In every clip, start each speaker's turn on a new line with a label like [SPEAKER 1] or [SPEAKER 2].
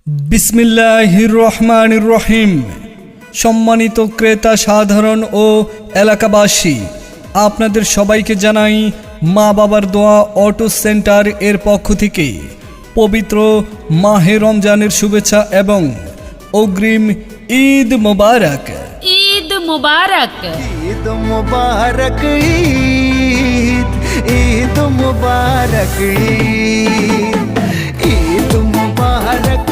[SPEAKER 1] বিসমিল্লাহির রহমানির রহিম। সম্মানিত ক্রেতা সাধারণ ও এলাকাবাসী, আপনাদের সবাইকে জানাই মা বাবার দোয়া অটো সেন্টার এর পক্ষ থেকে পবিত্র মাহে রমজানের শুভেচ্ছা এবং অগ্রিম ঈদ মোবারক।
[SPEAKER 2] ঈদ মুবারক।
[SPEAKER 3] ঈদ মুবারক, ঈদ ঈদ মুবারক, ঈদ মুবারক,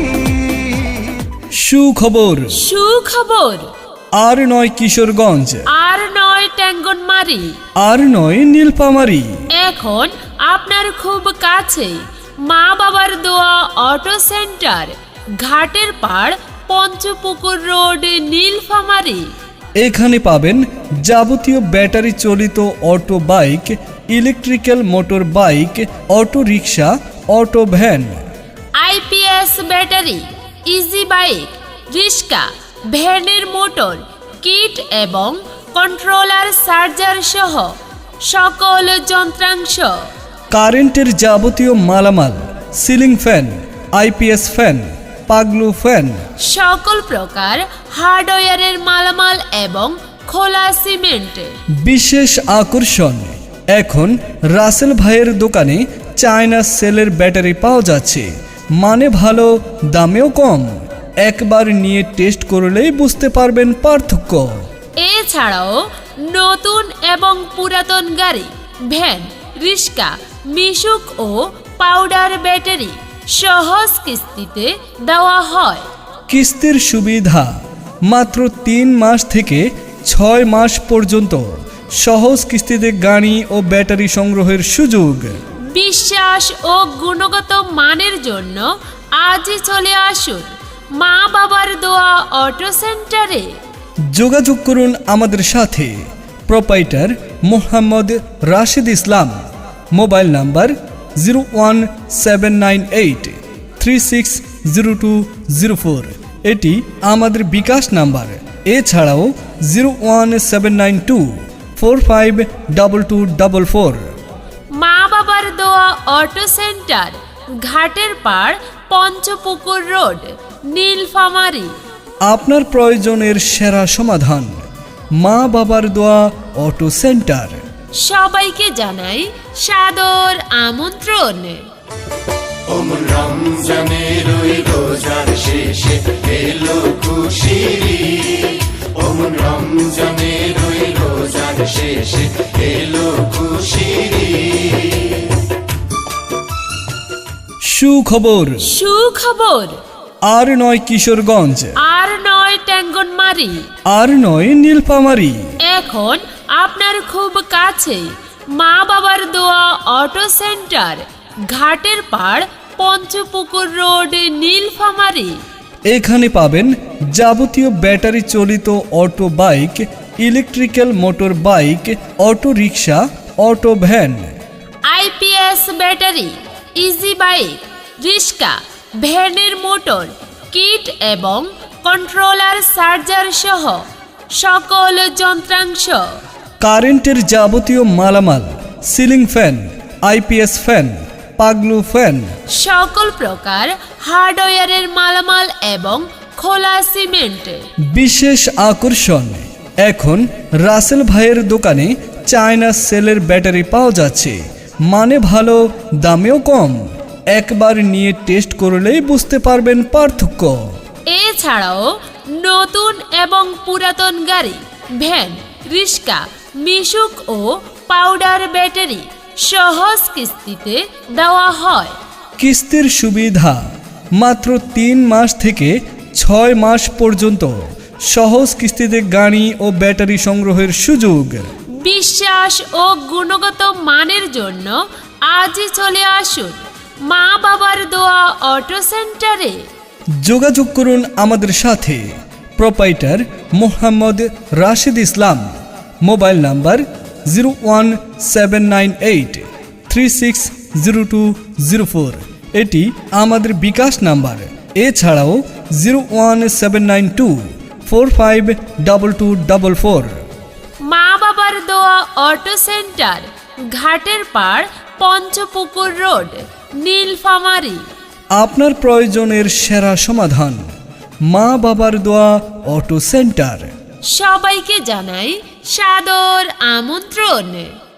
[SPEAKER 1] সুখবর,
[SPEAKER 2] সুখবর।
[SPEAKER 1] আর নয় কিশোরগঞ্জ,
[SPEAKER 2] আর নয় ট্যাঙ্গনমারি,
[SPEAKER 1] আর নয় নীলফামারী,
[SPEAKER 2] এখন আপনার খুব কাছে মা বাবার দোয়া অটো সেন্টার, ঘাটের পাড়, পঞ্চপুকুর রোড, নীলফামারী।
[SPEAKER 1] এখানে পাবেন যাবতীয় ব্যাটারি চালিত auto bike, electrical motor bike, auto rickshaw, auto van,
[SPEAKER 2] IPS battery, easy bike, rickshaw, ভ্যানের মোটর, কিট এবং কন্ট্রোলার চার্জার সহ সকল যন্ত্রাংশ,
[SPEAKER 1] কারেন্টের যাবতীয় মালামাল, ceiling fan, IPS fan, Paglu fan,
[SPEAKER 2] সকল প্রকার হার্ডওয়্যারের মালামাল এবং খোলা সিমেন্ট।
[SPEAKER 1] বিশেষ আকর্ষণ, এখন রাসেল ভাইয়ের দোকানে চায়না সেলের ব্যাটারি পাওয়া যাচ্ছে, মানে ভালো, দামেও কম। একবার নিয়ে টেস্ট করলেই বুঝতে পারবেন পার্থক্য।
[SPEAKER 2] এছাড়াও নতুন এবং পুরাতন গাড়ি, ভ্যান, রিক্সা, মিশুক ও পাউডার ব্যাটারি সহজ কিস্তিতে দেওয়া হয়।
[SPEAKER 1] কিস্তির সুবিধা মাত্র 3 মাস থেকে 6 মাস পর্যন্ত সহজ কিস্তিতে গাড়ি ও ব্যাটারি সংগ্রহের সুযোগ।
[SPEAKER 2] বিশ্বাস ও গুণগত মানের জন্য আজই চলে আসুন মা বাবার দোয়া অটো সেন্টারে।
[SPEAKER 1] যোগাযোগ করুন আমাদের সাথে। Proprietor Mohammad Rashid Islam. Mobile number 01798360204। এটি আমাদের বিকাশ নাম্বার। এছাড়াও 01792452244।
[SPEAKER 2] মা বাবার দোয়া অটো সেন্টার, ঘাটের পাড়, পঞ্চপুকুর রোড, নীলফামারী।
[SPEAKER 1] আপনার প্রয়োজনের সেরা সমাধান মা বাবার দোয়া অটো সেন্টার।
[SPEAKER 2] সবাইকে জানাই সাদর আমন্ত্রণ।
[SPEAKER 4] রমজানের ওই রোজার শেষে এলো খুশির ঈদ। রমজানের ওই রোজার শেষে এলো খুশির ঈদ।
[SPEAKER 1] সুখবর,
[SPEAKER 2] সুখবর।
[SPEAKER 1] আর নয় কিশোরগঞ্জ,
[SPEAKER 2] আর নয় ট্যাঙ্গনমারি,
[SPEAKER 1] আর নয় নীলফামারী,
[SPEAKER 2] এখন আপনার খুব কাছে মা বাবার দোয়া অটো সেন্টার, ঘাটের পাড়, পঞ্চপুকুর রোড, নীলফামারী।
[SPEAKER 1] এখানে পাবেন যাবতীয় ব্যাটারি চালিত auto bike, electrical motor bike, auto rickshaw, auto van,
[SPEAKER 2] IPS battery, easy bike, rickshaw, ভ্যানের মোটর, কিট এবং কন্ট্রোলার চার্জার সহ সকল যন্ত্রাংশ,
[SPEAKER 1] কারেন্টের যাবতীয় মালামাল, ceiling fan, IPS fan, Paglu fan,
[SPEAKER 2] সকল প্রকার হার্ডওয়্যারের মালামাল এবং খোলা সিমেন্ট।
[SPEAKER 1] বিশেষ আকর্ষণ, এখন রাসেল ভাইয়ের দোকানে চায়না সেলের ব্যাটারি পাওয়া যাচ্ছে, মানে ভালো, দামেও কম। একবার নিয়ে টেস্ট করলেই বুঝতে পারবেন পার্থক্য।
[SPEAKER 2] এছাড়াও নতুন এবং পুরাতন গাড়ি, ভ্যান, রিক্সা, মিশুক ও পাউডার ব্যাটারি সহজ কিস্তিতে দেওয়া হয়।
[SPEAKER 1] কিস্তির সুবিধা মাত্র 3 মাস থেকে 6 মাস পর্যন্ত সহজ কিস্তিতে গাড়ি ও ব্যাটারি সংগ্রহের সুযোগ।
[SPEAKER 2] বিশ্বাস ও গুণগত মানের জন্য আজই চলে আসুন মা বাবার দোয়া অটো সেন্টারে।
[SPEAKER 1] যোগাযোগ করুন আমাদের সাথে। Proprietor Mohammad Rashid Islam. Mobile number 01798360204। এটি আমাদের বিকাশ নাম্বার। এছাড়াও 01792452244।
[SPEAKER 2] মা বাবার দোয়া অটো সেন্টার, ঘাটের পাড়, পঞ্চপুকুর রোড, নীলফামারী।
[SPEAKER 1] আপনার প্রয়োজনের সেরা সমাধান। মা বাবার দোয়া অটো সেন্টার।
[SPEAKER 2] সবাইকে জানাই সাদর আমন্ত্রণ।